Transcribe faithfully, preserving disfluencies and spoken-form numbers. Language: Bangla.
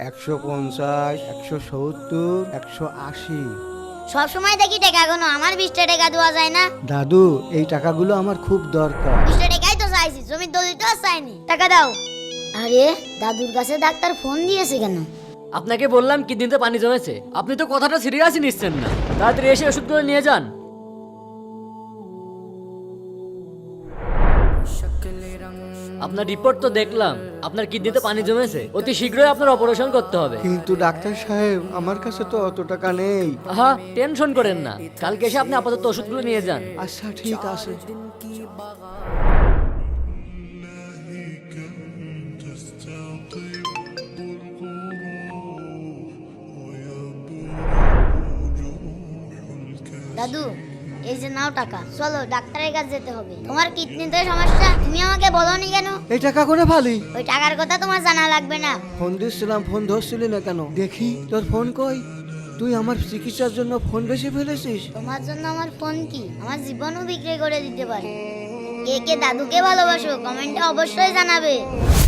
একশো পঞ্চাশ, একশো সত্তর, একশো আশি। সব সময় দেখি টাকা গোনো, আমার বিশটা টাকা দেওয়া যায় না? দাদু, এই টাকাগুলো আমার খুব দরকার। বিশটা টাকাই তো চাইছি, জমির দলিল তো আর চাইনি। টাকা দাও। আরে দাদুর কাছে ডাক্তার ফোন দিয়েছে কেন? আপনাকে বললাম কিডনিতে পানি জমেছে, আপনি তো কথাটা সিরিয়াসই নিচ্ছেন না। তাড়াতাড়ি এসে ওষুধগুলো নিয়ে যান। আপনার রিপোর্ট তো দেখলাম, আপনার কিডনিতে পানি জমেছে, অতি শীঘ্রই আপনার অপারেশন করতে হবে। কিন্তু ডাক্তার সাহেব, আমার কাছে তো অত টাকা নেই। আহা, টেনশন করেন না, কালকে এসে আপনি আপাতত ওষুধগুলো নিয়ে যান। আচ্ছা, ঠিক আছে। দাদু, এই যে নাও টাকা, চলো ডাক্তারের কাছে যেতে হবে। তোমার কিডনিতে সমস্যা, তুমি আমাকে বলোনি কেন? এই টাকা করে ভালি। ওই টাকার কথা তোমার জানা লাগবে না। ফোন দিচ্ছিলাম, ফোন ধরছিলি না কেন? দেখি তোর ফোন কই। তুই আমার চিকিৎসার জন্য ফোন বেশি ফেলেছিস। তোমার জন্য আমার ফোন কি আমার জীবনও বিক্রি করে দিতে পারে। কে কে দাদুকে ভালোবাসো কমেন্টে অবশ্যই জানাবে।